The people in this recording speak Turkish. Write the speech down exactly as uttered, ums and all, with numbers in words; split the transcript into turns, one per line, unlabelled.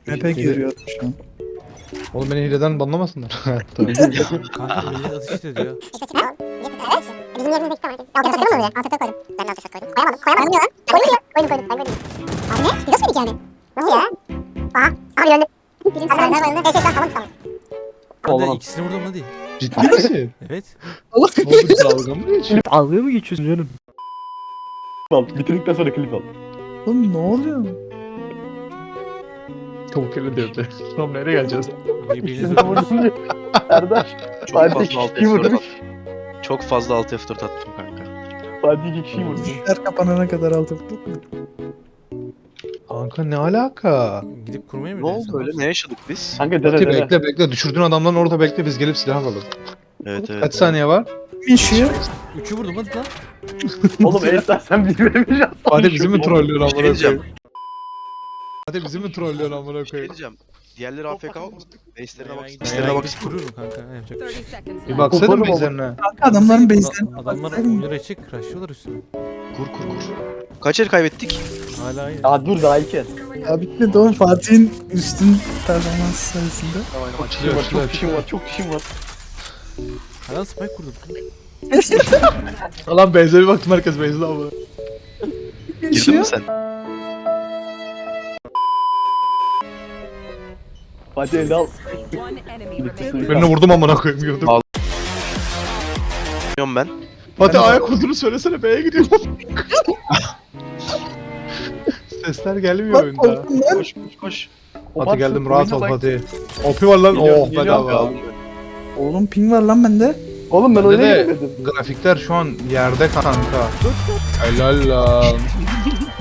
Map'e giriyor şu an.
Oğlum beni hileden banlamasınlar.
Kanka millet atış ediyor.
Bizim yerimizde iki tane. Altı takılır mı? Altı koydum. Ben de altı koydum. Koyamadım. Koyamadım. Koymuyor lan. Koymuyor. Koydum koydum. Ben koydum. Abi ne? Biz nasıl yedik yani? Nasıl ya? Aha. Abi öldü. Birinci sırada bayıldı. Evet evet tamam tamam.
Hadi ikisini vurdum hadi.
Ciddi misin?
Evet.
Oğlum dalga mı geçiyorsun?
Dalga mı geçiyorsun canım?
Al. Bitirdikten sonra klip al.
Oğlum ne oluyor?
Tavuk eli devre. Tamam nereye geleceğiz?
Birbirinizi
Sen vurdun diye. Erdar.
Çok
Fatih
fazla
iki
alt
kişiyi
F dört
vurmuş.
attım. Çok fazla alt F dört attım kanka.
Fatih iki kişiyi vurmuş.
Her kapanana kadar altı tutup mu?
Kanka ne alaka?
gidip kurmaya mı
Ne
gidiyorsun?
oldu öyle? Ne yaşadık biz?
Kanka dene
Fatih
dene.
bekle bekle. Düşürdüğün adamdan orada bekle biz gelip silah alalım.
Evet evet.
Kaç saniye var?
Kim yaşıyor?
Üçü vurdum hadi lan.
Oğlum Erdar sen bir veremeyeceksin.
Fatih bizi mi trollüyorsun
Bir şey
amına
diyeceğim.
koyayım? Fatih bizi mi trollüyorsun amına
Bir şey
koyayım?
diyeceğim. Diğerleri A F K olmasın? Base'lerine bak.
Ben
Base'lerine bak.
gidip kururum kanka. Ne yapacak bir şey.
Bir baksaydın
Koparım ama.
bizlerine.
Kanka adamların base'den.
Adam- Adamlar oyunları açık. Rushlıyorlar üstüne.
Kur kur kur. Kaç el kaybettik?
Hala aynı.
Aa dur daha iki el.
Ya bitmedi oğlum Fatih'in üstün performans sayesinde.
Çok
Açılıyor,
kişim var,
açılıyor,
çok kişim var, çok kişim var.
Hala spike kurdum.
Lan benzeri baktım herkes benzeri ama.
Girdin mi sen?
Fatih elde al.
Birini vurdum amına koyayım gördüm.
Al. Bilmiyorum ben.
Fatih ayak olduğunu söylesene B'ye gidiyorum. Sesler gelmiyor
Bak
oyunda.
korktum lan.
Koş koş koş.
Fatih geldim rahat ol Fatih. O P var lan
Geliyorum,
oh
geliyorum.
bedava.
Oğlum ping var lan bende.
Oğlum ben
Bende
oyuna
de
giremedim.
grafikler şu an yerde kanka. Helal lan.